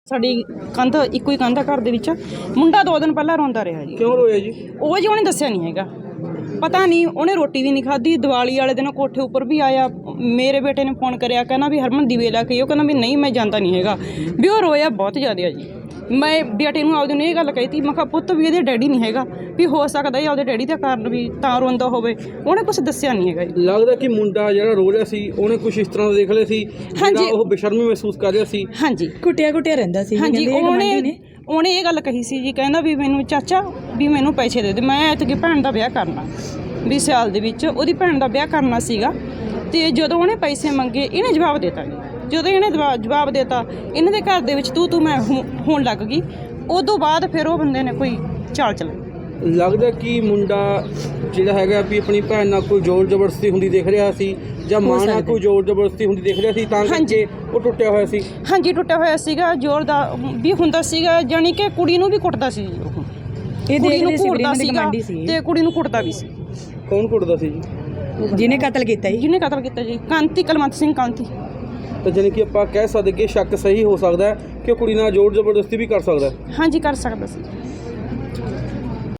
ਸਾਡੀ ਕੰਧ ਇੱਕੋ ਹੀ ਕੰਧ ਆ ਘਰ ਦੇ ਵਿੱਚ। ਮੁੰਡਾ 2 ਦਿਨ ਪਹਿਲਾਂ ਰੋਂਦਾ ਰਿਹਾ ਜੀ। ਕਿਉਂ ਰੋਇਆ ਜੀ? ਉਹ ਜੀ ਉਹਨੇ ਦੱਸਿਆ ਨਹੀਂ ਹੈਗਾ, ਪਤਾ ਨਹੀਂ ਉਹਨੇ ਰੋਟੀ ਵੀ ਨਹੀਂ ਖਾਧੀ। ਦੀਵਾਲੀ ਵਾਲੇ ਦਿਨ ਕੋਠੇ ਉੱਪਰ ਵੀ ਆਇਆ, ਮੇਰੇ ਬੇਟੇ ਨੇ ਫੋਨ ਕਰਿਆ, ਕਹਿੰਦਾ ਵੀ ਹਰਮਨ ਦੀਵੇ ਲਾ ਕੇ। ਉਹ ਕਹਿੰਦਾ ਵੀ ਨਹੀਂ ਮੈਂ ਜਾਂਦਾ ਨਹੀਂ ਹੈਗਾ, ਵੀ ਉਹ ਰੋਇਆ ਬਹੁਤ ਜ਼ਿਆਦਾ ਆ ਜੀ। ਮੈਂ ਬੇਟੇ ਨੂੰ ਆਪਦੇ ਨੂੰ ਇਹ ਗੱਲ ਕਹੀ ਤੀ, ਮੈਂ ਕਿਹਾ ਪੁੱਤ ਵੀ ਇਹਦੇ ਡੈਡੀ ਨਹੀਂ ਹੈਗਾ, ਵੀ ਹੋ ਸਕਦਾ ਇਹ ਆਪਦੇ ਡੈਡੀ ਦੇ ਕਾਰਨ ਵੀ ਤਾਂ ਰੋਂਦਾ ਹੋਵੇ। ਉਹਨੇ ਕੁਛ ਦੱਸਿਆ ਨਹੀਂ ਹੈਗਾ ਜੀ। ਲੱਗਦਾ ਕਿ ਮੁੰਡਾ ਜਿਹੜਾ ਰੋ ਰਿਹਾ ਸੀ ਉਹਨੇ ਕੁਝ ਇਸ ਤਰ੍ਹਾਂ ਦਾ ਦੇਖ ਲਿਆ ਸੀ, ਹਾਂਜੀ। ਉਹ ਬੇਸ਼ਰਮੀ ਮਹਿਸੂਸ ਕਰ ਰਿਹਾ ਸੀ। ਹਾਂਜੀ ਕੁੱਟਿਆ ਰਹਿੰਦਾ ਸੀ। ਹਾਂਜੀ, ਉਹਨੇ ਇਹ ਗੱਲ ਕਹੀ ਸੀ ਜੀ, ਕਹਿੰਦਾ ਵੀ ਮੈਨੂੰ ਚਾਚਾ ਵੀ ਮੈਨੂੰ ਪੈਸੇ ਦੇ ਦੇ, ਮੈਂ ਐਤਕੀ ਭੈਣ ਦਾ ਵਿਆਹ ਕਰਨਾ, ਵੀ ਸਿਆਲ ਦੇ ਵਿੱਚ ਉਹਦੀ ਭੈਣ ਦਾ ਵਿਆਹ ਕਰਨਾ ਸੀਗਾ। ਤੇ ਜਦੋਂ ਉਹਨੇ ਪੈਸੇ ਮੰਗੇ ਇਹਨੇ ਜਵਾਬ ਦਿੱਤਾ ਜੀ। ਜਦੋਂ ਇਹਨੇ ਜਵਾਬ ਦਿੱਤਾ, ਇਹਨਾਂ ਦੇ ਘਰ ਦੇ ਵਿੱਚ ਤੂੰ ਮੈਂ ਹੋਣ ਲੱਗ ਗਈ। ਉਦੋਂ ਬਾਅਦ ਫਿਰ ਉਹ ਬੰਦੇ ਨੇ ਕੋਈ ਚਾਲ ਚਲਾਈ। ਲੱਗਦਾ ਕਿ ਮੁੰਡਾ ਜਿਹੜਾ ਹੈਗਾ ਵੀ ਆਪਣੀ ਭੈਣ ਨਾਲ ਕੋਈ ਜ਼ੋਰ ਜ਼ਬਰਦਸਤੀ ਹੁੰਦੀ ਦੇਖ ਰਿਹਾ ਸੀ, ਜਾਂ ਮਾਂ ਨਾਲ ਕੋਈ ਜ਼ੋਰ ਜ਼ਬਰਦਸਤੀ ਹੁੰਦੀ ਦੇਖ ਰਿਹਾ ਸੀ, ਤਾਂ ਕਰਕੇ ਉਹ ਟੁੱਟਿਆ ਹੋਇਆ ਸੀ। ਹਾਂਜੀ, ਟੁੱਟਿਆ ਹੋਇਆ ਸੀਗਾ, ਜ਼ੋਰ ਦਾ ਵੀ ਹੁੰਦਾ ਸੀਗਾ, ਜਾਣੀ ਕਿ ਕੁੜੀ ਨੂੰ ਵੀ ਕੁੱਟਦਾ ਸੀ ਜੀ। ਉਹ ਕੁੜੀ ਨੂੰ ਕੁੱਟਦਾ ਸੀਗਾ ਤੇ ਕੁੜੀ ਨੂੰ ਕੁੱਟਦਾ ਵੀ ਸੀ। ਕੌਣ ਕੁੱਟਦਾ ਸੀ ਜੀ? ਜਿਹਨੇ ਕਤਲ ਕੀਤਾ ਜੀ ਕਾਂਤੀ, ਕਲਵੰਤ ਸਿੰਘ ਕਾਂਤੀ। ਤਾਂ ਜਾਣੀ ਕਿ ਆਪਾਂ ਕਹਿ ਸਕਦੇ ਕਿ ਸ਼ੱਕ ਸਹੀ ਹੋ ਸਕਦਾ ਹੈ ਕਿ ਉਹ ਕੁੜੀ ਨਾਲ ਜ਼ੋਰ ਜ਼ਬਰਦਸਤੀ ਵੀ ਕਰ ਸਕਦਾ ਹੈ। ਹਾਂਜੀ, ਕਰ ਸਕਦਾ ਸੀ।